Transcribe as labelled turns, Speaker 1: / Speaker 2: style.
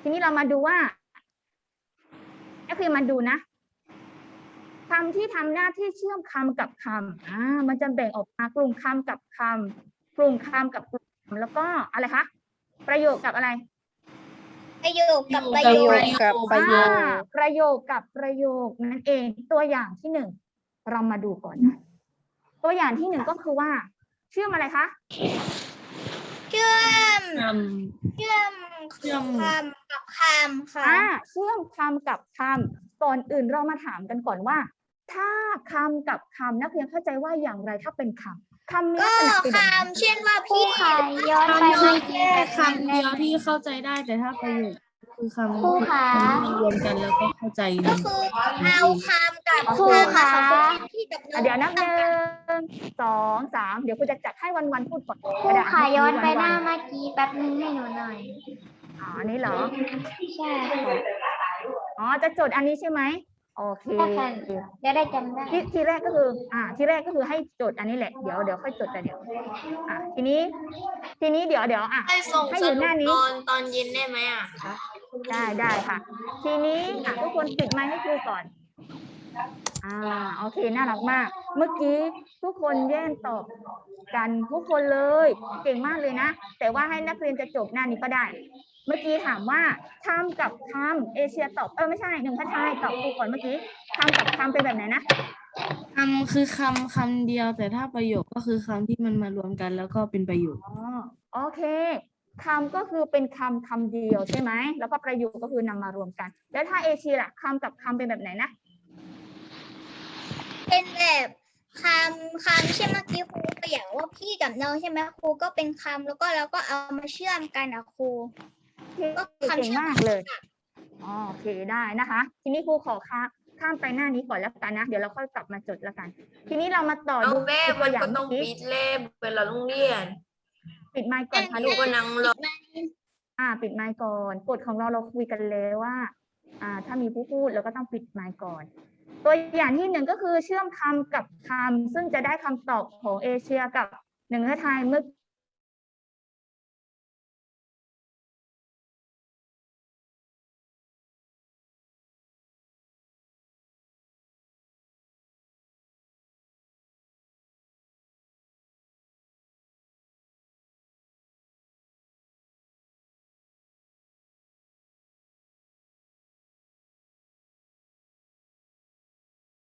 Speaker 1: ทีนี้เรามาดูว่าก็คือมาดูนะคำที่ทำหน้าที่เชื่อมคำกับคำมันจะแบ่งออกมากลุ่มคำกับคำกลุ่มคำกับกลุ่มคำแล้วก็อะไรคะประโยคกับอะไร
Speaker 2: ประโยคกับประโยค
Speaker 3: กับประโยค
Speaker 1: ประโยคกับประโยคนั่นเองตัวอย่างที่หนึ่งเรามาดูก่อนนะตัวอย่างที่หนึ่งก็คือว่าเชื่อมอะไรคะ
Speaker 2: เชื่อม
Speaker 3: เชื่อม
Speaker 2: คำกับคำค่ะ
Speaker 1: เชื่อมคำกับคำก่อนอื่นเรามาถามกันก่อนว่า ถ้าคำกับคำนักเรียนเข้าใจว่าอย่างไรถ้าเป็นคำคำมีลั
Speaker 2: ก็
Speaker 1: กษณะเป็นแบบไหน
Speaker 2: คำเช่นว่าพี่
Speaker 4: ย้อนไป
Speaker 3: คำแค่คำเดียวที่เข้าใจได้แต่ถ้าประโยคคือคำ
Speaker 4: ครูคะ
Speaker 3: ที่รวมกันแล้วก็เข้าใจ
Speaker 2: ก็คือเอาคำกับ
Speaker 4: ครูคะ
Speaker 2: พี่กับน้อง
Speaker 1: เดี๋ยวนับหนึ่งสองสามเดี๋ยวคุณจะจัดให้วันพูดก่อน
Speaker 4: ครูค่ะย้อนไปหน้าเมื่อกี้แป๊บนึงให้หนูหน่อย
Speaker 1: อันนี้เหรอ
Speaker 4: ใช่ค่ะ
Speaker 1: จะจดอันนี้ใช่ไหมโอเค
Speaker 4: ใช่ค่ะจะได้จำได้
Speaker 1: ทีแรกก็คือให้จดอันนี้แหละเดี๋ยวค่อยจดแต่เดี๋ยวทีนี้เดี๋ยว
Speaker 5: ให้ส่ง
Speaker 1: ให้
Speaker 5: ส
Speaker 1: อยู่
Speaker 5: รุ
Speaker 1: ห
Speaker 5: ป
Speaker 1: น้านี้
Speaker 5: ตอนเย็นได้ไหมอ่ะคะ
Speaker 1: ได้ค่ะ ทีนี้ทุกคนปิดไมค์ให้ครูก่อนโอเคน่ารักมาก เมื่อกี้ทุกคนแย่งตอบกันทุกคนเลยเก่งมากเลยนะแต่ว่าให้นักเรียนจะจบหน้านี้ก็ได้ เมื่อกี้ถามว่าคำกับคำเอเชียตอบไม่ใช่หนึ่งพัชชายตอบครูก่อนเมื่อกี้คำกับคำเป็นแบบไหนนะ
Speaker 3: คำคือคำเดียวแต่ถ้าประโยคก็คือคำที่มันมารวมกันแล้วก็เป็นประโยค
Speaker 1: โอเคคำก็คือเป็นคำเดียวใช่ไหมแล้วก็ประโยคก็คือนำมารวมกัน แล้วถ้าเอเชียล่ะคำกับคำเป็นแบบไหนนะ
Speaker 2: เป็นแบบคำเช่นเมื่อกี้ครูตัวอย่างว่าพี่กับน้องใช่ไหมครูก็เป็นคำแล้วก็เราก็เอามาเชื่อมกันนะครู ก็คำ
Speaker 1: เก่ง
Speaker 2: เชื่อม
Speaker 1: มากเลยโอเคได้นะคะ ทีนี้ครูขอข้ามไปหน้านี้ก่อนแล้วกันนะ เดี๋ยวเราค่อยกลับมาจดแล้วกัน ทีนี้เรามาต่อ
Speaker 5: เอา
Speaker 1: ดู
Speaker 5: แม่
Speaker 1: ตั
Speaker 5: มั
Speaker 1: วน อย่าง
Speaker 5: ก็ต้
Speaker 1: เมื่
Speaker 5: อง
Speaker 1: อกี้
Speaker 5: ปิดเล่มเวลาโรงเรียน
Speaker 1: ปิดไมค์ก่อนค่ะลูก
Speaker 5: ก็นั่งรอ
Speaker 1: ปิดไมค์ก่อนกฎของเราคุยกันแล้วว่า ถ้ามีผู้พูดเราก็ต้องปิดไมค์ก่อน ตัวอย่างที่หนึ่งก็คือเชื่อมคำกับคำซึ่งจะได้คำตอบของเอเชียกับหนึ่งไทยเมื่อ